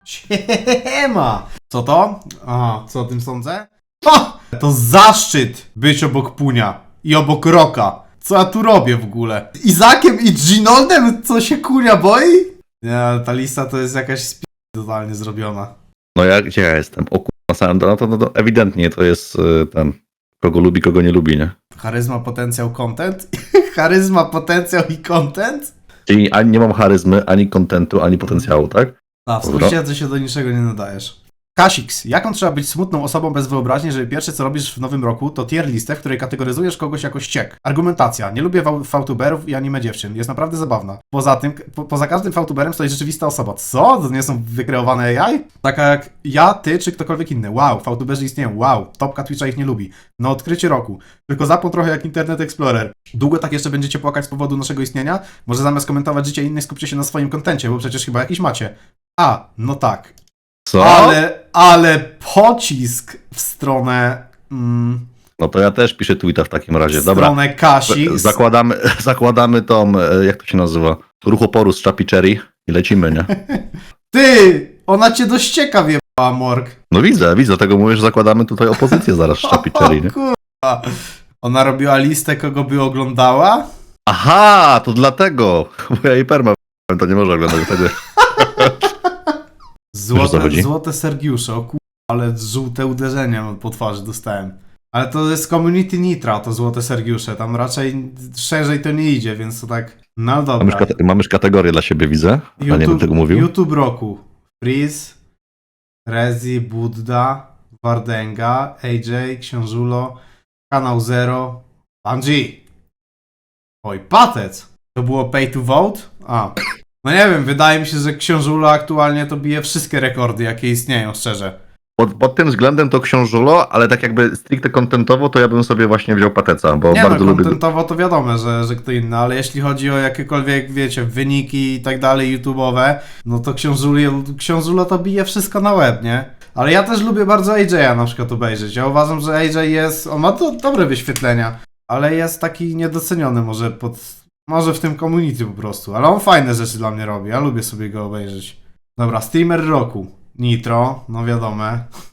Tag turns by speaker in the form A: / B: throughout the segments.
A: Siema! Co to? Aha, co o tym sądzę? Ha! To zaszczyt być obok Punia i obok Roka. Co ja tu robię w ogóle? Izakiem i Ginoldem? Co się Kunia boi? Nie, ta lista to jest jakaś totalnie zrobiona.
B: No gdzie ja jestem? O kurwa, sam, no to ewidentnie to jest ten, kogo lubi, kogo nie lubi, nie?
A: Charyzma, potencjał, content? Charyzma, potencjał i content?
B: Czyli ani nie mam charyzmy, ani kontentu, ani potencjału, tak?
A: A, w sąsiedzie się do niczego nie nadajesz. Kasix, jaką trzeba być smutną osobą bez wyobraźni, żeby pierwsze co robisz w nowym roku to tier listę, w której kategoryzujesz kogoś jako ściek. Argumentacja. Nie lubię fałtuberów i anime dziewczyn. Jest naprawdę zabawna. Poza tym, poza każdym fałtuberem stoi rzeczywista osoba. Co? To nie są wykreowane AI? Taka jak ja, ty czy ktokolwiek inny. Wow, fałtuberzy istnieją. Wow, topka Twitcha ich nie lubi. No odkrycie roku. Tylko zapłon trochę jak Internet Explorer. Długo tak jeszcze będziecie płakać z powodu naszego istnienia? Może zamiast komentować życie innych skupcie się na swoim kontencie, bo przecież chyba jakiś macie. A, no tak.
B: Co?
A: Ale pocisk w stronę...
B: No to ja też piszę tweeta w takim razie.
A: w
B: Dobra.
A: stronę Kasix.
B: Zakładamy tą, jak to się nazywa? Ruch oporu z Chappie Cherry i lecimy, nie?
A: Ty! Ona cię do ścieka wjebała, Morg.
B: No widzę, dlatego mówię, że zakładamy tutaj opozycję zaraz z Chappie Cherry, nie?
A: O kurwa. Ona robiła listę, kogo by oglądała?
B: Aha, to dlatego. Bo ja jej perma to nie może oglądać tego.
A: Złote Sergiusze, o kurwa, ale żółte uderzenia po twarzy dostałem. Ale to jest community Nitra, to złote Sergiusze, tam raczej szerzej to nie idzie, więc to tak... No dobra.
B: Mamy już kategorię dla siebie, widzę. Ja nie bym tego mówił.
A: YouTube roku. Freeze, Rezi, Budda, Wardenga, AJ, Książulo, Kanał Zero, Bungie. Oj, Patec. To było pay to vote? A. No nie wiem, wydaje mi się, że Książulo aktualnie to bije wszystkie rekordy, jakie istnieją, szczerze.
B: Pod tym względem to Książulo, ale tak jakby stricte kontentowo, to ja bym sobie właśnie wziął Pateca, bo
A: Nie
B: bardzo
A: no,
B: lubię...
A: kontentowo to wiadomo, że kto inny, ale jeśli chodzi o jakiekolwiek, wiecie, wyniki i tak dalej YouTube'owe, no to Książulo to bije wszystko na łeb, nie? Ale ja też lubię bardzo AJ'a na przykład obejrzeć. Ja uważam, że AJ jest, on ma dobre wyświetlenia, ale jest taki niedoceniony może w tym community po prostu, ale on fajne rzeczy dla mnie robi, ja lubię sobie go obejrzeć. Dobra, streamer roku. Nitro, no wiadomo.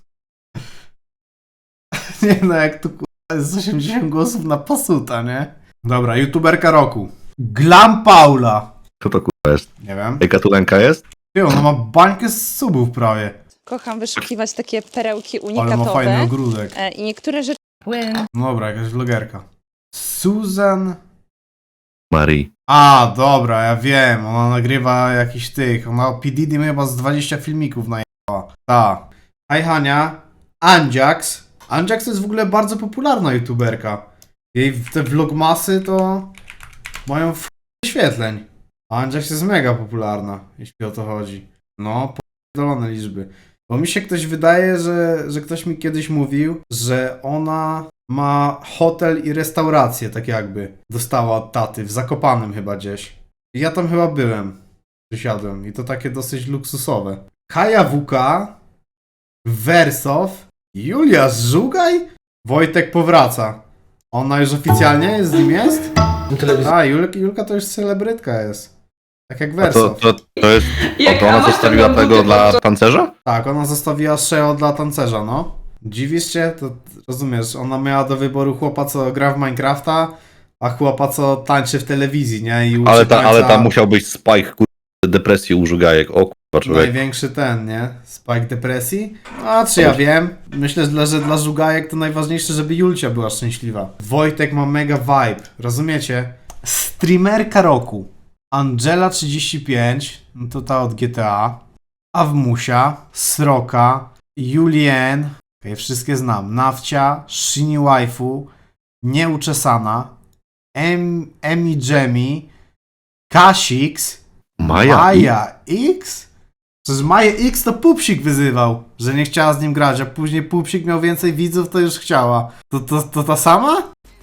A: Nie no, jak tu jest 80 głosów na pasuta, nie? Dobra, youtuberka roku. Glam Paula.
B: Co to kurwa jest?
A: Nie wiem.
B: Jaka tu ręka jest?
A: Ty, ona ma bańkę z subów prawie.
C: Kocham wyszukiwać takie perełki
A: Ale ma fajny
C: unikatowe
A: ogródek.
C: i niektóre rzeczy
A: No dobra, jakaś vlogerka. Susan...
B: Marii.
A: A, dobra, ja wiem. Ona nagrywa jakiś tych. Ona P. Diddy chyba z 20 filmików najechała. Ta. Hi Hania. Anjax. Anjax to jest w ogóle bardzo popularna youtuberka. Jej te vlogmasy to mają w wyświetleń. A Anjax jest mega popularna, jeśli o to chodzi. No, podolone liczby. Bo mi się ktoś wydaje, że ktoś mi kiedyś mówił, że ona ma hotel i restaurację, tak jakby. Dostała od taty, w Zakopanem chyba gdzieś. I ja tam chyba byłem. Przysiadłem. I to takie dosyć luksusowe. Kaja WK, Wersow, Julia Żugaj, Wojtek powraca. Ona już oficjalnie jest, z nim jest? A, Julka to już celebrytka jest. Tak jak Wersow.
B: To jest... to ona zostawiła tego dla tancerza?
A: Tak, ona zostawiła Sheo dla tancerza, no. Dziwisz się? To rozumiesz, ona miała do wyboru chłopa, co gra w Minecrafta, a chłopa, co tańczy w telewizji, nie? I uczy
B: Ale tam musiał być spike, kurwa, depresji u Żugajek. O kurwa, człowiek.
A: Największy ten, nie? Spike depresji? A czy ja wiem? Myślę, że dla Żugajek to najważniejsze, żeby Julcia była szczęśliwa. Wojtek ma mega vibe, rozumiecie? Streamerka roku. Angela 35, no to ta od GTA. Awmusia, Sroka, Julien, okay, wszystkie znam. Nawcia, Shini Waifu, Nieuczesana, Emi Jemmy, Kasix, Maja X? Przecież Maja X to Pupsik wyzywał, że nie chciała z nim grać, a później Pupsik miał więcej widzów, to już chciała. To ta sama?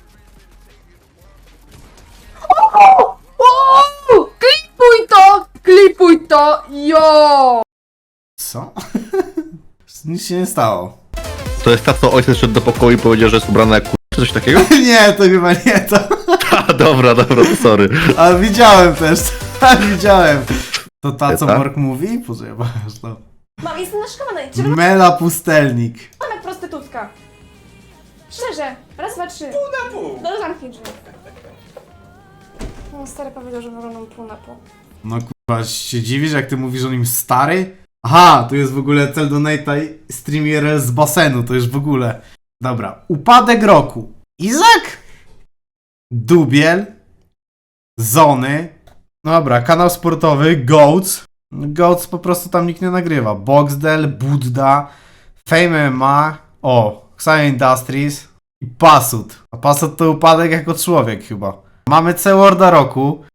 D: Klipuj to, jo!
A: Co? Nic się nie stało.
B: To jest ta, co ojciec szedł do pokoju i powiedział, że jest ubrana jak kurwa, czy coś takiego?
A: Nie, to chyba nie to.
B: A, dobra, to sorry.
A: Ale widziałem też, widziałem. To ta, co Morg mówi? Poczekaj, to.
E: Mam, jestem naszykowana. Czy
A: Mela Pustelnik.
E: wyglądam jak prostytutka? Szczerze. Raz, dwa, trzy. Pół na pół. No zamknij drzwi. No, stary powiedział, że wyglądam pół na pół.
A: No kurwa, się dziwisz, jak ty mówisz o nim stary? Aha, tu jest w ogóle cel donate'a stream IRL z basenu, to już w ogóle. Dobra, upadek roku. Izak? Dubiel. Zony. Dobra, kanał sportowy, Goats. Goats po prostu tam nikt nie nagrywa. Boxdel, Budda, Fame MMA, o, Xayo Industries i Pasut. A Pasut to upadek jako człowiek chyba. Mamy C-Worda roku.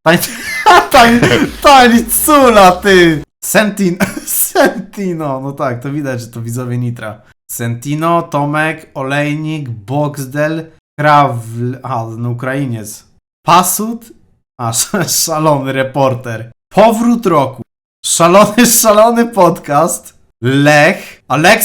A: Tańcula, ty! Sentino, no tak, to widać, że to widzowie Nitra. Sentino, Tomek, Olejnik, Boxdel, no Ukrainiec. Pasut, szalony reporter. Powrót roku. Szalony podcast. Lech.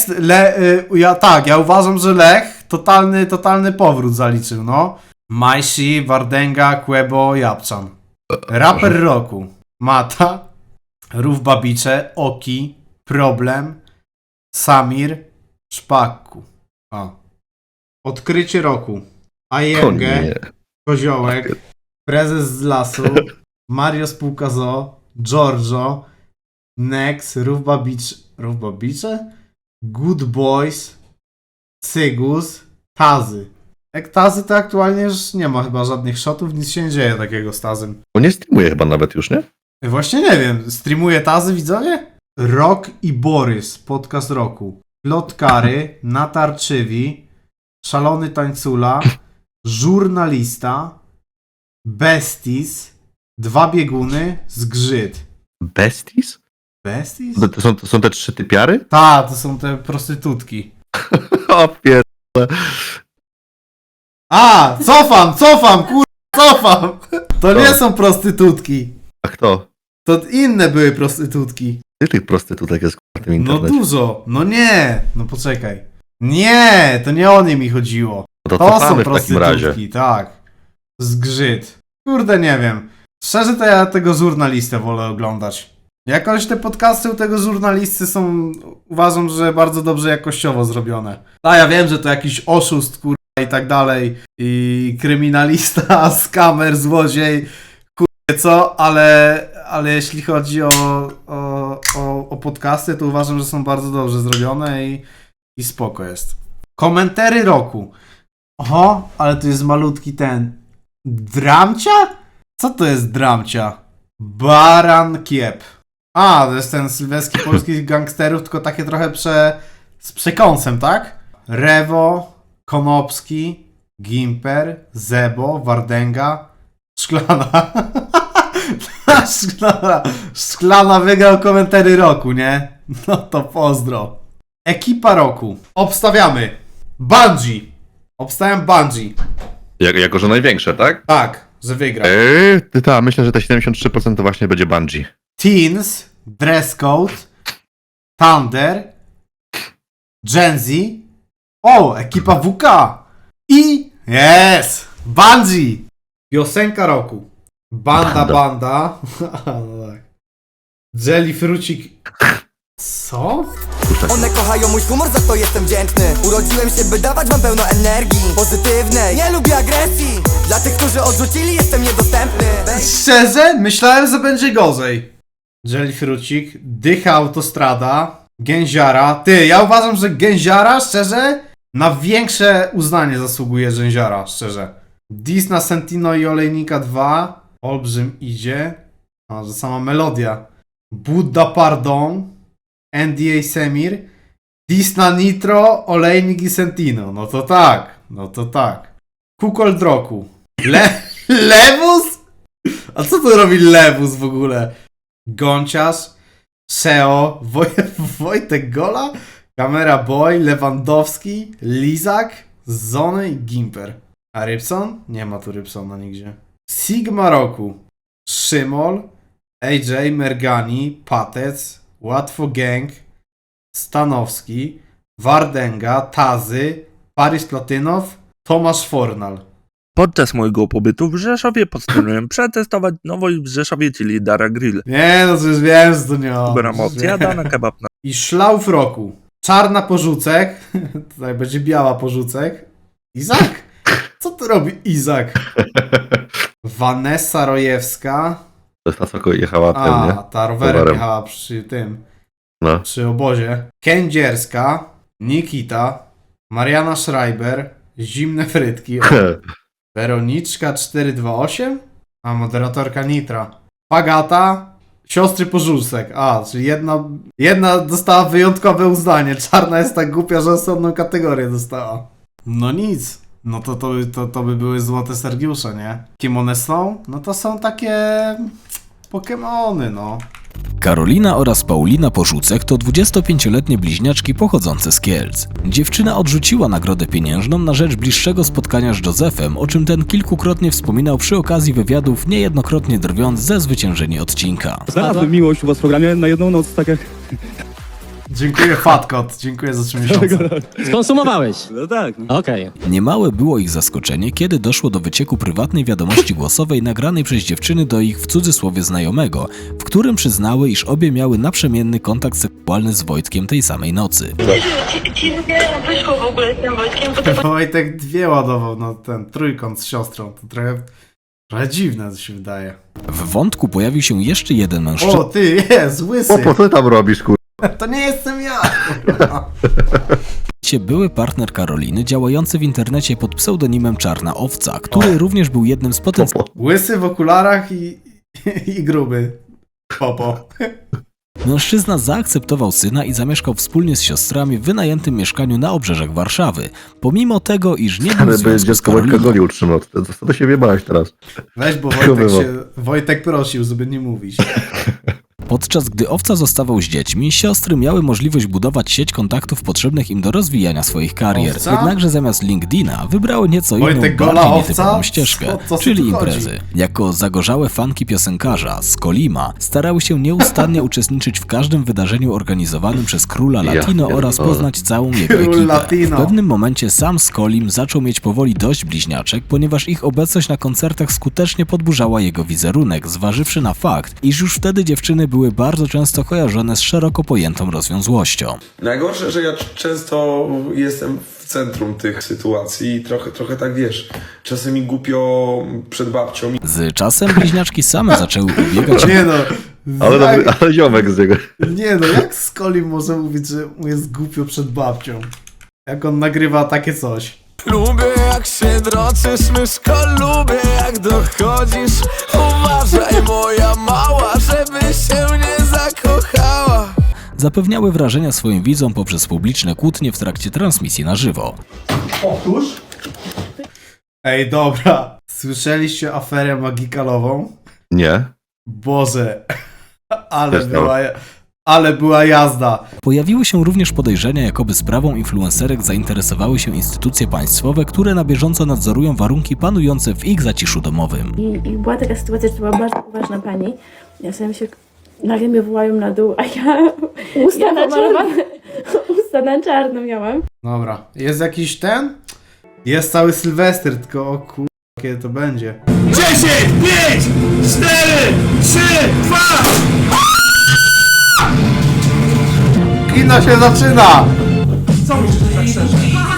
A: Ja uważam, że Lech totalny powrót zaliczył, no. Majsi, Wardenga, Quebo, Japczan. Raper roku. Mata, Rów Babicze, Oki, Problem, Samir, Szpakku. Odkrycie roku. Ajengę,
B: nie.
A: Koziołek, Prezes z lasu, Mario Spółka Zoo, Giorgio, Nex, Rów Babicze? Good Boys, Cygus, Tazy. Jak Tazy to aktualnie już nie ma chyba żadnych shotów, nic się nie dzieje takiego z Tazym.
B: On nie streamuje chyba nawet już, nie?
A: Właśnie nie wiem, streamuje Tazy widzowie? Rok i Borys, podcast roku. Plotkary, Natarczywi, Szalony Tańcula, Żurnalista, Besties, Dwa Bieguny, Zgrzyt.
B: Besties?
A: Besties?
B: To są te trzy typiary?
A: To są te prostytutki.
B: O pier...
A: Cofam, cofam! To nie są prostytutki.
B: A kto?
A: To inne były prostytutki.
B: Ty tych prostytutek jest w tym
A: No
B: internecie.
A: dużo, no nie, no poczekaj. Nie, to nie o nie mi chodziło.
B: No to
A: To są
B: cofamy w takim razie.
A: prostytutki, tak. Zgrzyt. Kurde, nie wiem. Szczerze to ja tego żurnalistę wolę oglądać. Jakoś te podcasty u tego żurnalisty są, uważam, że bardzo dobrze jakościowo zrobione. Ja wiem, że to jakiś oszust, kurwa, i tak dalej. I kryminalista, skamer, złodziej, kurwa, co, ale jeśli chodzi o podcasty, to uważam, że są bardzo dobrze zrobione i spoko jest. Komentary roku. Oho, ale to jest malutki ten. Dramcia? Co to jest dramcia? Baran Kiep. To jest ten sylwejski polskich gangsterów, tylko takie trochę z przekąsem, tak? Rewo, Konopski, Gimper, Zebo, Wardenga, Szklana. Szklana wygrał komentary roku, nie? No to pozdro. Ekipa roku. Obstawiamy. Bungie. Obstawiam Bungie.
B: Jako, że największe, tak?
A: Tak, że wygra.
B: Myślę, że te 73% to właśnie będzie Bungie.
A: Teens, Dress Code, Thunder, Gen Z. Ekipa WK. I Bungie. Piosenka roku. Banda. No tak. Jelly Frucik. Co?
F: One kochają mój humor, za to jestem wdzięczny. Urodziłem się, by dawać wam pełno energii pozytywnej. Nie lubię agresji. Dla tych, którzy odrzucili, jestem niedostępny.
A: Szczerze? Myślałem, że będzie gorzej. Jelly Frucik, Dycha Autostrada, Gęziara. Ja uważam, że Gęziara, szczerze, na większe uznanie zasługuje Gęziara, szczerze. Dis na Sentino i Olejnika 2. Olbrzym idzie. Że sama melodia. Buddha Pardon, NDA Semir, Dis na Nitro, Olejnik i Sentino. No to tak. Kukold roku. Lewus? A co tu robi Lewus w ogóle? Gonciarz, Seo, Wojtek Gola, Kamera Boy, Lewandowski, Lizak, Zony i Gimper. A Rybson? Nie ma tu Rybsona nigdzie. Sigma roku. Szymol, AJ, Mergani, Patec, Łatwo Gang, Stanowski, Wardenga, Tazy, Paris Platynow, Tomasz Fornal.
G: Podczas mojego pobytu w Rzeszowie postanowiłem przetestować nowość w Rzeszowie, czyli Dara Grill.
A: Nie, no przecież wiem, że to nie on.
G: Dobra mocja, dana kebab na
A: I szlauf roku. Czarna porzucek. Tutaj będzie biała porzucek. Izak? Co tu robi Izak? Vanessa Rojewska.
B: To jest ta, co jechała ten,
A: A,
B: nie?
A: ta rowerem
B: Rowerem.
A: jechała przy tym.
B: No.
A: Przy obozie. Kędzierska. Nikita. Mariana Schreiber. Zimne frytki. O. Weroniczka 428. A, moderatorka Nitra. Pagata. Siostry Porzucek. A, czyli jedna dostała wyjątkowe uznanie. Czarna jest tak głupia, że osobną kategorię dostała. No nic. No to by były złote Sergiusze, nie? Kim one są? No to są takie... Pokemony, no.
H: Karolina oraz Paulina Porzucek to 25-letnie bliźniaczki pochodzące z Kielc. Dziewczyna odrzuciła nagrodę pieniężną na rzecz bliższego spotkania z Józefem, o czym ten kilkukrotnie wspominał przy okazji wywiadów, niejednokrotnie drwiąc ze zwyciężeni odcinka.
I: Znalazłem miłość u was w programie na jedną noc, tak jak...
A: Dziękuję Fatkot, dziękuję za 3 miesiące.
J: Skonsumowałeś?
I: No tak.
J: Okej.
H: Niemałe było ich zaskoczenie, kiedy doszło do wycieku prywatnej wiadomości głosowej nagranej przez dziewczyny do ich w cudzysłowie znajomego, w którym przyznały, iż obie miały naprzemienny kontakt seksualny z Wojtkiem tej samej nocy.
K: wyszło w ogóle z tym Wojtkiem, bo to
A: Wojtek 2 ładował, no ten trójkąt z siostrą, to trochę dziwne, to się wydaje.
H: W wątku pojawił się jeszcze jeden mężczyzna.
A: O, ty, jest, łysy.
B: Po co ty tam robisz, kur...
A: To nie jestem ja, kurwa.
H: Były partner Karoliny, działający w internecie pod pseudonimem Czarna Owca, który również był jednym z potencjalnych
A: Łysy w okularach i gruby. Popo.
H: Mężczyzna zaakceptował syna i zamieszkał wspólnie z siostrami w wynajętym mieszkaniu na obrzeżach Warszawy, pomimo tego, iż nie był w
B: Ale by
H: związku z
B: dziecko Wojtka
H: Karoliną.
B: golił 3 nocy. Co to się wiebałeś teraz?
A: Weź, bo Wojtek prosił, żeby nie mówić.
H: Podczas gdy Owca zostawał z dziećmi, siostry miały możliwość budować sieć kontaktów potrzebnych im do rozwijania swoich karier.
A: Owca?
H: Jednakże zamiast LinkedIna wybrały nieco inną,
A: Wojtek Gola,
H: bardziej
A: Owca?
H: nietypową ścieżkę,
A: Co tu
H: czyli
A: chodzi?
H: imprezy. Jako zagorzałe fanki piosenkarza z Kolima starały się nieustannie uczestniczyć w każdym wydarzeniu organizowanym przez Króla
B: Ja
H: Latino oraz
B: pierdolę.
H: poznać całą jego
A: Król
H: ekipę.
A: Latino.
H: W pewnym momencie sam Skolim zaczął mieć powoli dość bliźniaczek, ponieważ ich obecność na koncertach skutecznie podburzała jego wizerunek, zważywszy na fakt, iż już wtedy dziewczyny były bardzo często kojarzone z szeroko pojętą rozwiązłością.
L: Najgorsze, że ja często jestem w centrum tych sytuacji i trochę tak wiesz, czasem mi głupio przed babcią.
H: Z czasem bliźniaczki same zaczęły ubiegać się.
A: Nie no.
B: Ale ziomek z niego.
A: Nie no, jak Skolim może mówić, że mu jest głupio przed babcią? Jak on nagrywa takie coś.
F: Lubię jak się droczysz, myszko, lubię jak dochodzisz. Uważaj moja mała, żeby się nie zakochała.
H: Zapewniały wrażenia swoim widzom poprzez publiczne kłótnie w trakcie transmisji na żywo.
A: Powtórz. Ej, dobra. Słyszeliście aferę magikalową?
B: Nie.
A: Boże.
B: Też to.
A: Ale była jazda.
H: Pojawiły się również podejrzenia, jakoby sprawą influencerek zainteresowały się instytucje państwowe, które na bieżąco nadzorują warunki panujące w ich zaciszu domowym.
K: I była taka sytuacja, że to była bardzo poważna pani. Ja sobie się nagle mnie wołają na dół, a ja usta na czarno miałam.
A: Dobra. Jest jakiś ten? Jest cały Sylwester, tylko o kur... kiedy to będzie.
I: 10, 5, 4, 3, 2!
A: Kino się zaczyna!
I: Co myślisz tak szczerze?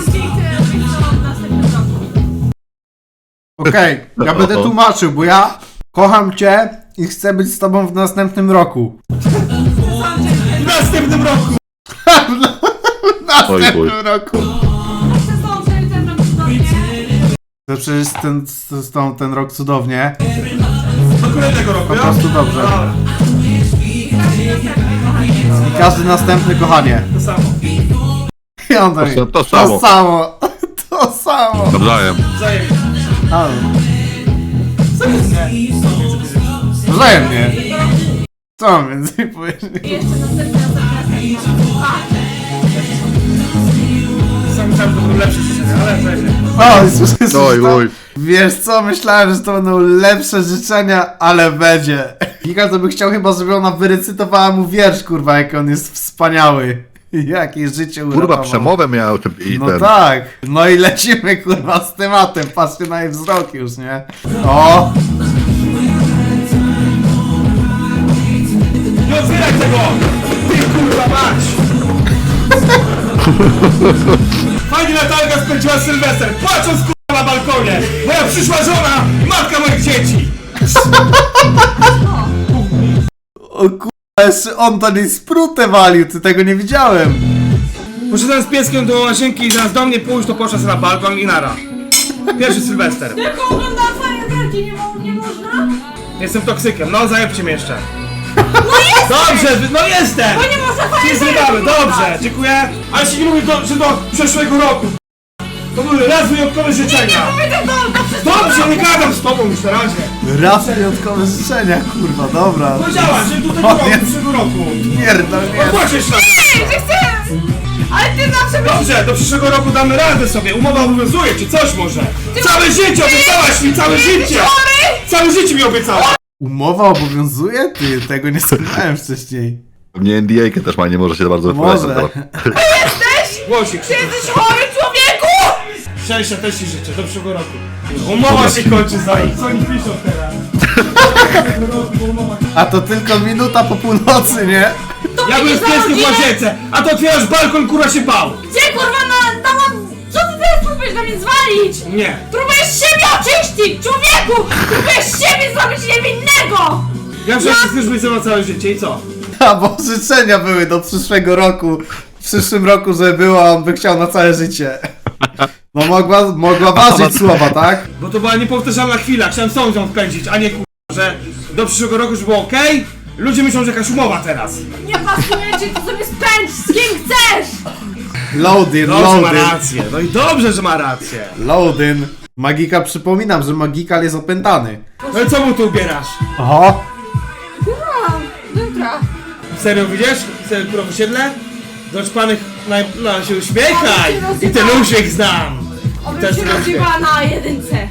A: Okej, ja będę tłumaczył, bo ja kocham cię i chcę być z tobą w następnym roku.
I: W następnym roku!
A: W następnym roku. To przecież ten rok cudownie.
I: Do kolejnego roku,
A: Po prostu dobrze. I każdy następny, kochanie.
I: To samo.
A: I on tak,
B: To samo.
A: To samo. To samo.
B: Nawzajem.
I: Wzajemnie.
A: A,
I: Wzajemnie.
A: wzajemnie. Co mam więcej powiedzieć?
I: Sam myślałem, że to będą lepsze życzenia, ale wzajemnie.
A: O, słyszysz
B: Oj,
A: to?
B: oj.
A: Wiesz co, myślałem, że to będą lepsze życzenia, ale będzie. Giga to by chciał chyba, żeby ona wyrecytowała mu wiersz, kurwa, jak on jest wspaniały. Jakie życie
B: Kurwa,
A: uratował.
B: przemowę miał i
A: No
B: ten.
A: tak, no i lecimy kurwa z tematem, patrzcie na jej wzrok już, nie? O!
I: Nie otwieraj tego! Ty kurwa mać! Fajnie Natalka spędziła Sylwester, płacząc kurwa na balkonie! Moja przyszła żona, matka moich dzieci!
A: O kurwa, jeszcze on to nie sprutę walił, ty tego nie widziałem.
I: Poszedłem z pieskiem do łazienki i zamiast do mnie pójść, to poszedł sobie na balkon i nara. Pierwszy Sylwester.
D: Tylko oglądam fajerwerki, nie można?
I: Jestem toksykiem, no zajebcie mnie jeszcze. No jestem! Dobrze, no jestem!
D: Bo nie można
I: Się
D: fajerwerki
I: zjebamy,
D: oglądać.
I: dobrze, dziękuję. Ale się nie mówi, że do przyszłego roku. To były raz wyjątkowe życzenia. Dobrze, nie gadam z tobą już na razie.
A: Raz wyjątkowe życzenia, kurwa, dobra.
I: Powiedziałaś, że do tego
A: O,
I: roku,
A: nie.
I: przyszłego roku.
A: Pierdol, nie.
I: Opłacisz nas.
D: Że chcę! Ale ty zawsze byś...
I: Dobrze, do przyszłego roku damy radę sobie. Umowa obowiązuje, czy coś może. Całe życie obiecałaś mi, całe życie! Całe życie mi obiecałaś.
A: Umowa obowiązuje? Ty, tego nie słuchałem wcześniej.
B: Mnie NDA też ma, nie może się za bardzo
A: Może.
B: wypowiadać.
I: Głosik.
D: Ty jesteś chory, człowieku!
I: Szczęścia też ci życzę, do przyszłego roku. Umowa się kończy za nich. Co oni piszą teraz?
A: A to tylko minuta po północy, nie?
I: Ja byłem z pieskiem w łazience, a to otwierasz balkon, kurwa się bał.
D: Gdzie kurwa co ty teraz próbujesz na mnie zwalić?
I: Nie.
D: Próbujesz siebie oczyścić, człowieku! Próbujesz siebie zrobić niewinnego!
I: Ja przecież chcesz być ze mną całe życie i co?
A: A bo życzenia były do przyszłego roku. W przyszłym roku, żeby było, a on by chciał na całe życie. No mogła ważyć słowa, tak?
I: Bo to była niepowtarzalna chwila, chciałem z tą ją wpędzić, a nie kurwa, że do przyszłego roku już było okej? Ludzie myślą, że jakaś umowa teraz.
D: Nie pasuje ci, to sobie spędź z kim chcesz!
A: Loading,
I: Dobrze ma
A: loading,
I: rację, no i dobrze, że ma rację.
A: loading. Magika, przypominam, że Magikal jest opętany.
I: No i co mu tu ubierasz?
A: Oho!
D: Jutra.
I: Serio widzisz? Serio kurwa osiedle? Doczpanych na się uśmiechaj! I ten uśmiech znam!
D: Obym
I: Też
D: się
I: lubię.
D: rozjebała na jedynce.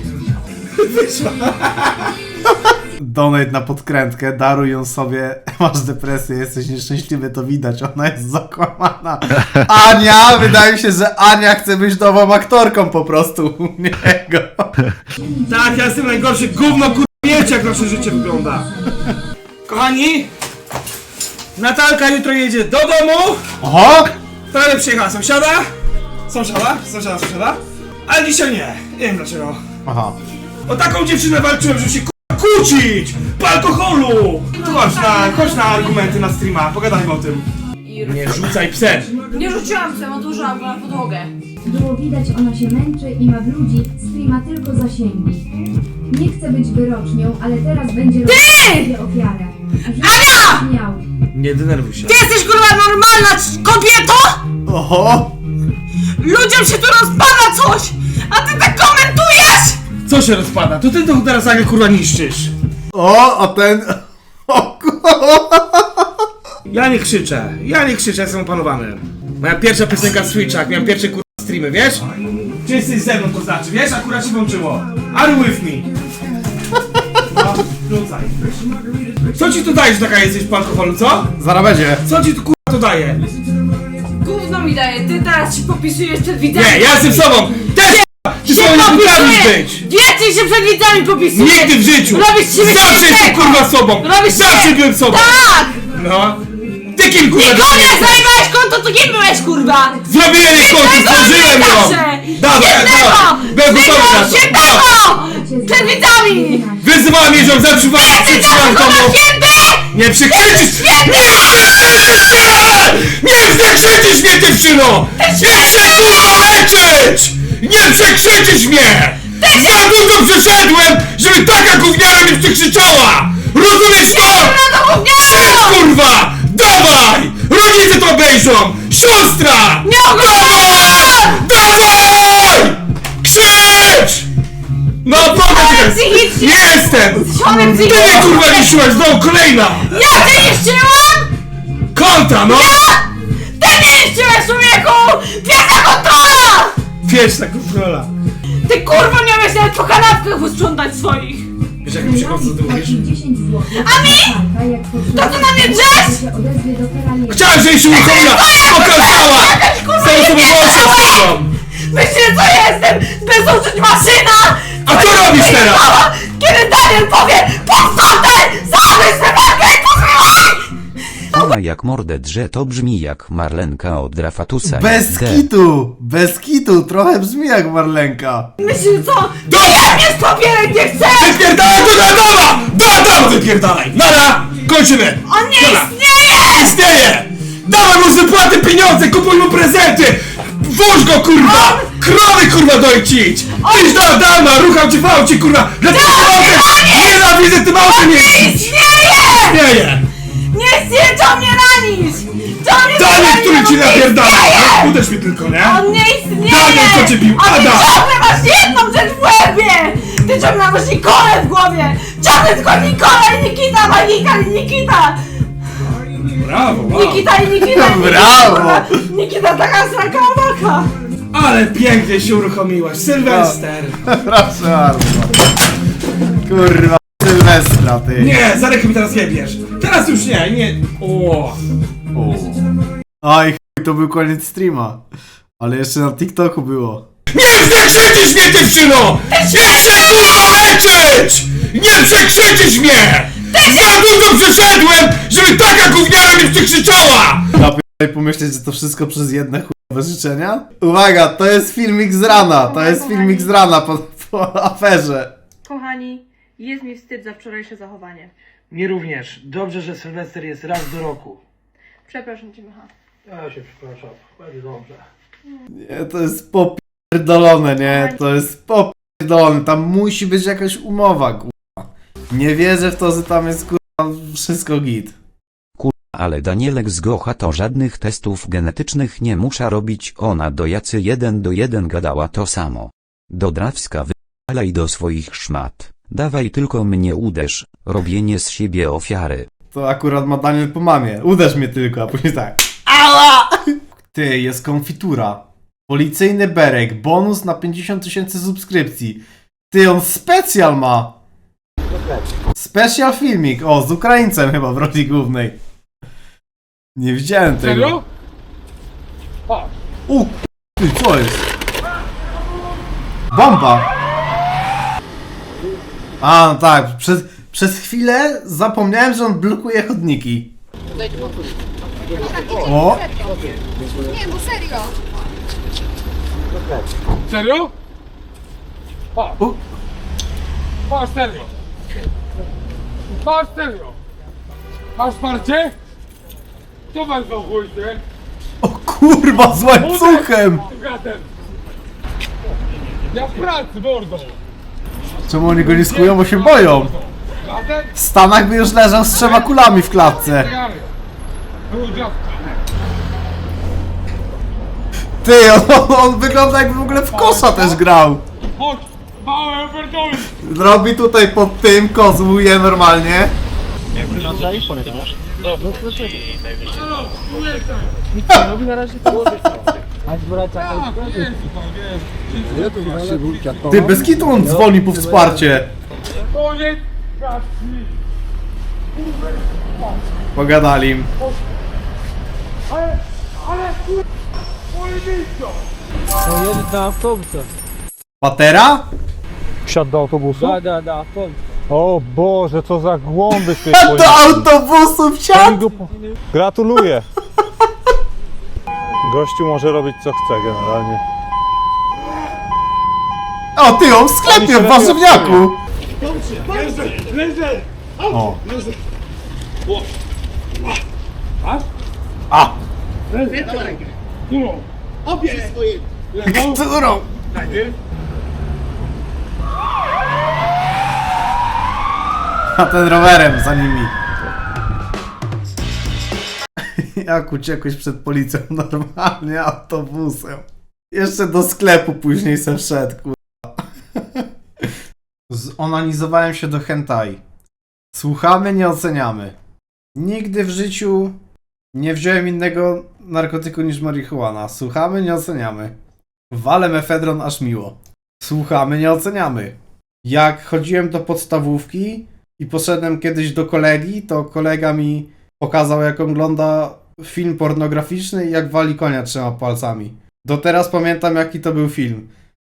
A: Donate na podkrętkę, daruj ją sobie. Masz depresję, jesteś nieszczęśliwy, to widać, ona jest zakłamana. Ania, wydaje mi się, że Ania chce być nową aktorką po prostu u niego.
I: Tak, ja jestem najgorszy, gówno kurwa, wiecie jak nasze życie wygląda. Kochani, Natalka jutro jedzie do domu.
A: Oho!
I: Prawie przyjechała sąsiada. Sąsiada. Ale dzisiaj nie. Nie wiem dlaczego.
A: Aha.
I: O taką dziewczynę walczyłem, żeby się kurwa kłócić! Po alkoholu! Chodź na argumenty na streama, pogadajmy o tym. Nie rzucaj psem!
D: Nie rzuciłam się, odłożyłam go na podłogę.
E: Było widać, ona się męczy i ma w ludzi streama tylko zasięgi. Nie chcę być wyrocznią, ale teraz będzie robić ofiarę.
D: Ania!
E: Miał.
I: Nie denerwuj się.
D: Ty jesteś kurwa normalna kobieto?
A: Oho!
D: Ludziom się tu rozpada coś! A ty tak komentujesz!
I: Co się rozpada? To ty to teraz nagle kurwa niszczysz.
A: O, a ten... O kurwa!
I: Ja nie krzyczę, jestem opanowany. Moja pierwsza piosenka z Switcha, jak miałem pierwsze kurwa streamy, wiesz? Czy jesteś ze mną, to znaczy, wiesz? Akurat się włączyło. Are you with me? No, rzucaj. Co ci to daje, że taka jesteś po alkoholu, co?
A: Zaraz będzie.
I: Co ci to kurwa to daje?
D: Gówno mi daje, ty teraz się popisujesz przed widzami.
I: Nie, ja jestem sobą! Też ty sobą nie potrafisz być!
D: Więcej się przed widzami popisujesz!
I: Nigdy w życiu!
D: Robisz z siebie
I: Zawsze jestem
D: świętego!
I: kurwa sobą!
D: Robisz
I: Zawsze
D: siebie-
I: byłem sobą!
D: Tak!
I: No! Ty kim kurwa
D: Nikogo nie
I: jesteś?
D: zajmowałeś konto, to kim byłeś kurwa?
I: Zrobiłem jej konto, zdążyłem ją! Dawaj, byłem gotowy na to!
D: Świętego! Przed widzami!
I: Wyzywałem jej, żebym zatrzymałem komu! Nie przekrzyczysz! Nie przekrzyczysz mnie, dziewczyno! Nie chcę kurwa leczyć! Nie przekrzyczysz mnie! Za dużo przeszedłem, żeby taka gówniara mnie przekrzyczała! Rozumiesz to? Krzycz kurwa! Dawaj! Rodzice to obejrzą! Siostra!
D: Nie oglądam!
I: Dawaj! Krzycz! No powiedz!
D: psychicznie!
I: Jestem!
D: Chory
I: Ty mnie
D: psychicznie!
I: kurwa niszczyłaś, no kolejna!
D: Ja cię niszczyłam!
I: Konta, no!
D: Ty mnie niszczyłeś, człowieku! Wielka kontrola!
I: Wieczna kontrola.
D: Ty kurwa nie umiesz nawet po kanapkach usprzątać swoich!
I: Wiesz jak mi się co ty mówisz?
E: 10 zł.
D: A mi? To ty na mnie drzesz?
E: Się odezwie do Ferrariego.
I: Chciałem, żebyś się uruchomiła! Pokazała
D: jestem bezużyć maszyna!
I: A co robisz teraz?
D: Kiedy Daniel powie podstawę, zamknij sobie i posłuchaj!
J: Ona jak mordę drze, to brzmi jak Marlenka od Rafatusa.
A: Bez kitu, trochę brzmi jak Marlenka.
D: Myślisz co? Ja nie stopierek nie chcę!
I: Wypierdalaj tu do Adama! Do Adama wypierdalaj! Nara! Kończymy!
D: On nie
I: Dobra.
D: istnieje!
I: Istnieje! Dawaj mu z wypłaty pieniądze, kupuj mu prezenty! Włóż go, kurwa! Krowy, kurwa, dojcić! Idź do Adama, rucham cię w aucie, kurwa! Dlaczego autem? Nienawidzę tym autem jeździć! Istnieje!
D: Nie istnieje, co mnie ranisz! Co mnie
I: Daniel,
D: ranisz?
I: który ci
D: On nie
I: napierdala!
D: istnieje!
I: Uderz mnie tylko, nie?
D: On nie istnieje!
I: Daniel, kto cię bił?
D: A ty
I: Adam!
D: ciągle masz jedną rzecz w łebie! Ty ciągle masz Nikolę w głowie! Ciągle tylko Nikola i Nikita, Magika i Nikita!
I: Brawo, wow.
D: Nikita i Nikita!
A: Brawo!
D: Nikita taka sraka owaka!
I: Ale pięknie się uruchomiłaś, Sylwester!
A: Proszę bardzo. Kurwa, Sylwestra, ty.
I: Nie, za rękę mi teraz jebiesz! Teraz już nie! O.
A: Oj, chuj, to był koniec streama. Ale jeszcze na TikToku było.
I: Nie przekrzyczysz mnie, dziewczyno! Nie chcę, kurwa, leczyć! Nie przekrzyczysz mnie! Za długo przeszedłem, żeby taka gówniara mnie przekrzyczała!
A: Ja pomyśleć, że to wszystko przez jedne chujowe życzenia? Uwaga, to jest filmik z rana. To jest filmik z rana po aferze.
D: Kochani, jest mi wstyd za wczorajsze zachowanie.
M: Mi również. Dobrze, że Sylwester jest raz do roku.
D: Przepraszam cię, Micha.
M: Ja się przepraszam. Będzie dobrze.
A: Nie, to jest popierdolone, nie? To jest popierdolone. Tam musi być jakaś umowa, kurwa. Nie wierzę w to, że tam jest, kurwa, wszystko git.
J: Ale Danielek z Gocha to żadnych testów genetycznych nie musza robić, ona do Jacy 1:1 gadała to samo. Do Drawska wypalaj do swoich szmat, dawaj tylko mnie uderz, robienie z siebie ofiary.
A: To akurat ma Daniel po mamie. Uderz mnie tylko, a później tak. Ała! Ty, jest konfitura. Policyjny berek, bonus na 50 000 subskrypcji. Ty, on specjal ma! Special filmik, o, z Ukraińcem chyba w roli głównej. Nie widziałem tego.
I: Serio?
A: Ty, co jest? Bomba! A, no tak, przez chwilę zapomniałem, że on blokuje chodniki. O!
E: Nie, bo serio!
I: Serio?
A: U.
I: Masz serio! Masz serio! Masz parcie? Co was za chuj, ty?
A: O kurwa, z łańcuchem!
I: Gatem! Ja w pracy, mordo!
A: Czemu oni go nie skują, bo się boją?
I: Gatem?
A: W Stanach by już leżał z 3 kulami w klatce. Ty, on wygląda jakby w ogóle w kosza też grał.
I: Chodź! Małe operatory!
A: Robi tutaj pod tym, kozłuje normalnie. Ty, bez kitu on dzwoni po wsparcie. Pogadali im. Patera?
N: Wsiadł do autobusu?
M: Da,
N: O Boże, co za głąby ty
A: Do autobusu wsiadł!
N: Gratuluję! Gościu może robić co chce generalnie.
A: O, ty, on w sklepie, w warzywniaku! O. A! Którą? A ten rowerem za nimi. Jak uciekłeś przed policją normalnie autobusem. Jeszcze do sklepu później se wszedł, kurwa. Zonanizowałem się do hentai. Słuchamy, nie oceniamy. Nigdy w życiu nie wziąłem innego narkotyku niż marihuana. Słuchamy, nie oceniamy. Walę mefedron aż miło. Słuchamy, nie oceniamy. Jak chodziłem do podstawówki i poszedłem kiedyś do kolegi, to kolega mi pokazał, jak ogląda film pornograficzny i jak wali konia 3 palcami. Do teraz pamiętam, jaki to był film.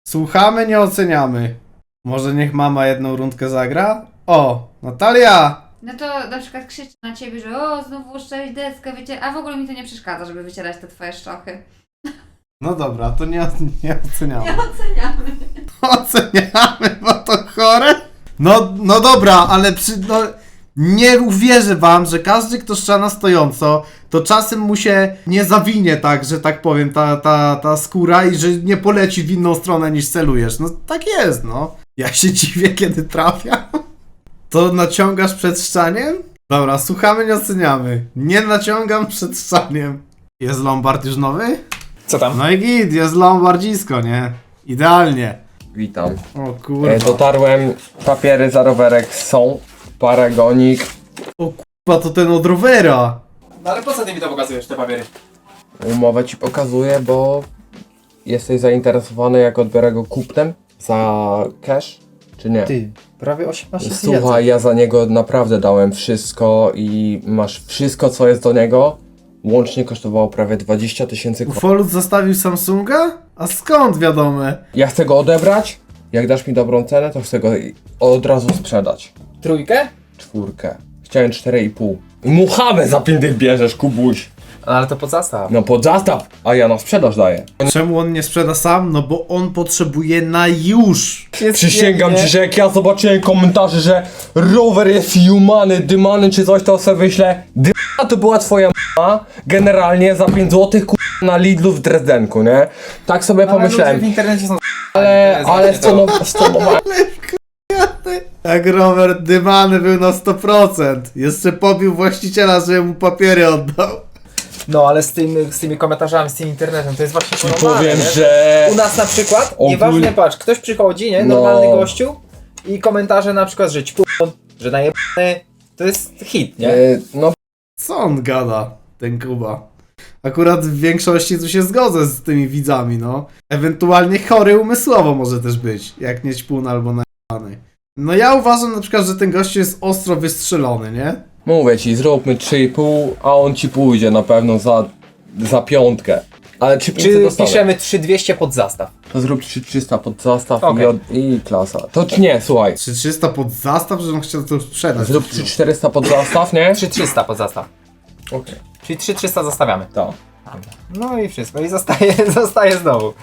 A: Słuchamy, nie oceniamy. Może niech mama jedną rundkę zagra? O, Natalia!
O: No to na przykład krzyczy na ciebie, że o, znowu uszczałeś deskę, a w ogóle mi to nie przeszkadza, żeby wycierać te twoje szczochy.
A: No dobra, to nie oceniamy.
O: Nie oceniamy.
A: Oceniamy, bo to chore? No dobra, ale nie uwierzę wam, że każdy, kto szcza na stojąco, to czasem mu się nie zawinie tak, że tak powiem, ta skóra i że nie poleci w inną stronę niż celujesz. No tak jest, no. Ja się dziwię, kiedy trafia. To naciągasz przed szczaniem? Dobra, słuchamy, nie oceniamy. Nie naciągam przed szczaniem. Jest Lombard już nowy?
P: Co tam?
A: No i git, jest Lombardzisko, nie? Idealnie.
P: Witam.
A: O kurwa.
P: Dotarłem, papiery za rowerek są, paragonik.
A: O kurwa, to ten od rowera.
P: No ale po co ty mi to pokazujesz, te papiery? Umowę ci pokazuję, bo jesteś zainteresowany, jak odbiorę go kupnem za cash, czy nie?
Q: Ty, prawie 18
P: Słuchaj, ja za niego naprawdę dałem wszystko i masz wszystko, co jest do niego. Łącznie kosztowało prawie 20 000
A: Ufolut zostawił Samsunga? A skąd wiadome?
P: Ja chcę go odebrać. Jak dasz mi dobrą cenę, to chcę go od razu sprzedać.
Q: Trójkę?
P: 4. Chciałem 4,5. Muchawę za 5 bierzesz, Kubuś.
Q: Ale to pod zastaw.
P: No pod zastaw, a ja na sprzedaż daję.
A: Czemu on nie sprzeda sam? No bo on potrzebuje na już.
P: Przysięgam ci, że jak ja zobaczyłem komentarze, że rower jest jumany, dymany czy coś, to sobie myślę, dyma to była twoja m***a, generalnie za 5 zł na Lidlu w Dresdenku, nie? Tak sobie pomyślałem.
Q: W internecie są
P: Ale
A: Jak Robert dymany był na 100%. Jeszcze pobił właściciela, żeby mu papiery oddał.
Q: No ale z tymi komentarzami, z tym internetem, to jest właśnie porąbane,
P: powiem,
Q: nie?
P: że...
Q: U nas na przykład,
P: Ogólnie-
Q: nieważne, patrz, ktoś przychodzi, nie? Normalny gościu i komentarze na przykład, że ćpun, że najebany, to jest hit, nie?
P: No
A: Co on gada, ten Kuba? Akurat w większości tu się zgodzę z tymi widzami, no. Ewentualnie chory umysłowo może też być, jak nie ćpun albo najebany. No ja uważam na przykład, że ten gościu jest ostro wystrzelony, nie?
P: mówię ci, zróbmy 3,5, a on ci pójdzie na pewno za 5. Ale czy
Q: piszemy 3200 pod zastaw?
P: To zrób 3300 pod zastaw
Q: Okej.
P: i klasa. To czy nie, słuchaj.
A: 3300 pod zastaw, że on chciał to sprzedać.
P: Zrób 3400 pod zastaw, nie?
Q: 3300 pod zastaw.
P: Okej.
Q: Czyli 3300 zostawiamy.
P: Tak.
Q: No i wszystko. I zostaje znowu.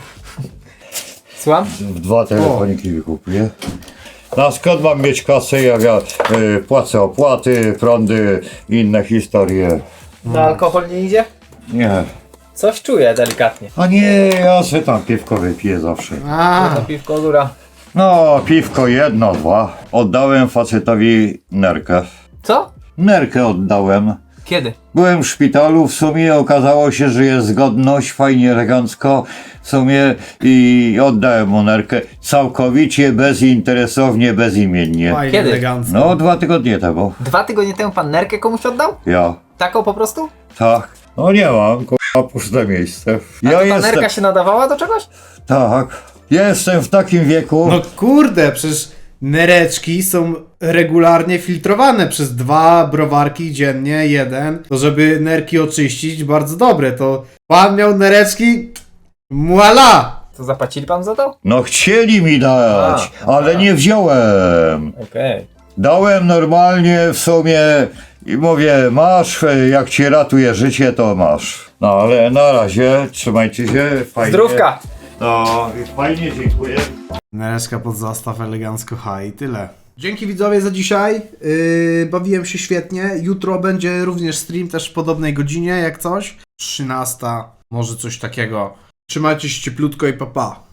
Q: Słucham?
R: 2 telefoniki wykupuję. Na skąd mam mieć kasę, jak ja płacę opłaty, prądy, inne historie.
Q: No alkohol nie idzie?
R: Nie.
Q: Coś czuję delikatnie.
R: A nie, ja sobie tam piwko wypiję zawsze.
Q: To piwko góra.
R: No, piwko 1, 2. Oddałem facetowi nerkę.
Q: Co?
R: Nerkę oddałem.
Q: Kiedy?
R: Byłem w szpitalu, w sumie okazało się, że jest zgodność, fajnie, elegancko, w sumie i oddałem mu nerkę całkowicie, bezinteresownie, bezimiennie.
A: Fajnie,
Q: Kiedy?
A: elegancko.
R: No, 2 tygodnie temu.
Q: 2 tygodnie temu pan nerkę komuś oddał?
R: Ja.
Q: Taką po prostu?
R: Tak. No nie mam, puste miejsce.
Q: A to ta nerka się nadawała do czegoś?
R: Tak. Jestem w takim wieku.
A: No kurde, przecież nereczki są regularnie filtrowane przez 2 browarki dziennie, 1. To żeby nerki oczyścić, bardzo dobre. To pan miał nereczki, voila!
Q: To zapłacili pan za to?
R: No chcieli mi dać, ale nie wziąłem.
Q: Okej.
R: Dałem normalnie w sumie i mówię, masz, jak ci ratuje życie, to masz. No ale na razie, trzymajcie się, fajnie.
Q: Zdrówka!
R: No i fajnie, dziękuję.
A: Nereczka pod zastaw, elegancko, i tyle. Dzięki widzowie za dzisiaj. Bawiłem się świetnie. Jutro będzie również stream, też w podobnej godzinie, jak coś. 13, może coś takiego. Trzymajcie się cieplutko i pa pa.